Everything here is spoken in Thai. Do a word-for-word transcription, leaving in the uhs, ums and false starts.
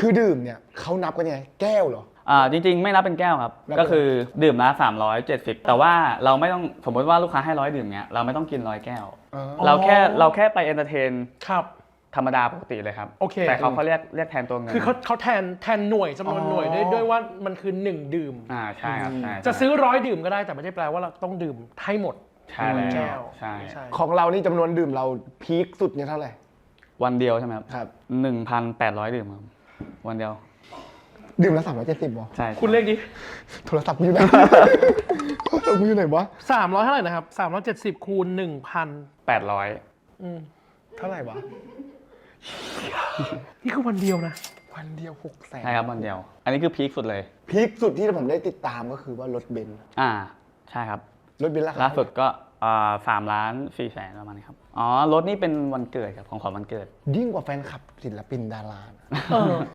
คือดื่มเนี่ยเขานับกันยังไงแก้วเหรออ่าจริงๆไม่นับเป็นแก้วครับก็คือดื่มละสามร้อยเจ็ดสิบแต่ว่าเราไม่ต้องสมมติว่าลูกค้าให้ร้อยดื่มเนี้ยเราไม่ต้องกินร้อยแก้วเราแค่เราแค่ไปเอนเตอร์เทนครับธรรมดาปกติเลยครับโอเคแต่เขาเขาเรียกเรียกแทนตัวเงินคือเขาเขาแทนแทนหน่วยจำนวนหน่วยด้วยด้วยว่ามันคือหนึ่งดื่มอ่าใช่ครับใช่จะซื้อร้อยดื่มก็ได้แต่ไม่ได้แปลว่าเราต้องดื่มให้หมดใช่แล้วแก้วใช่ของเรานี่จำนวนดื่มเราพีคสุดเนี่ยเท่าไหร่วันเดียวใช่ไหมครับครับหนึ่งพันแปดร้อยดื่มครับวันเดียวดื่มละสามร้อยเจ็ดสิบวะใช่คุณเลขนี้โทรศัพท์กูอยู่ไหนโทรศัพท์กูอยู่ไหนวะสามร้อยเท่าไหร่นะครับสามร้อยเจ็ดสิบคูณหนึ่งพันแปดร้อยเท่าไหร่วะนี่คือวันเดียวนะวันเดียวหกแสนใช่ครับวันเดียวอันนี้คือพีคสุดเลยพีคสุดที่ผมได้ติดตามก็คือว่ารถเบนซ์อ่าใช่ครับรถเบนซ์ราคาล่าสุดก็สามล้านสี่แสนประมาณนี้ครับอ๋อรถนี่เป็นวันเกิดครับของขวัญวันเกิดยิ่งกว่าแฟนคลับศิลปินดารา